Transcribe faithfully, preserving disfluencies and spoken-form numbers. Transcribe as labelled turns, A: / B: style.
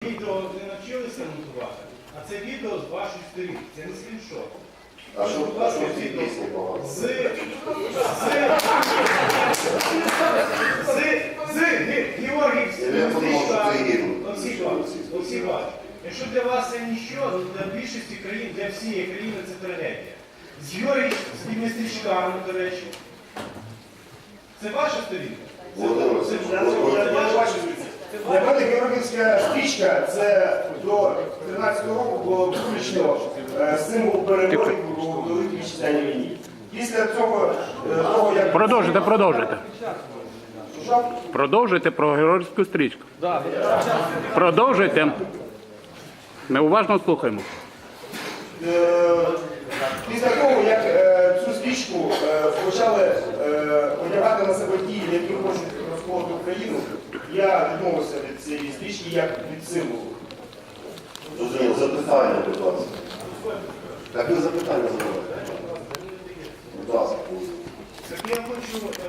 A: відео не навчилися монтувати, а це відео з вашої сторінки, це не скріншот.
B: А що
A: Будь ласка,
B: в цій
A: відео
B: пісні погано?
A: з... з... з... з... Георгій
B: Я подумав, що це гімн.
A: Олексій Іванович, якщо для вас це ніщо, то для більшості країн, для всієї країни це трагедія. З Георгій з тими стрічками, до речі. Це ваша сторінка?
B: Володимир,
A: Це-
B: це-
A: це- це ваша
C: Для мене Георгіївська стрічка це до тринадцятого року було виключно е, символ перемоги у Великій Вітчизняній війні. Після цього, е, того, як...
D: Продовжуйте, продовжуйте.
C: Що?
D: Продовжуйте про георгіївську стрічку. Продовжуйте. Ми уважно слухаємо.
C: Е, Після того, як е, цю стрічку е, почали е, одягати на себе ті, які хочуть розколоти Україну, я відмовився від цієї стрічки як від символу.
B: Зрозуміло, запитання, будь ласка. Так ви запитання задавайте. Будь ласка.
A: Так я хочу...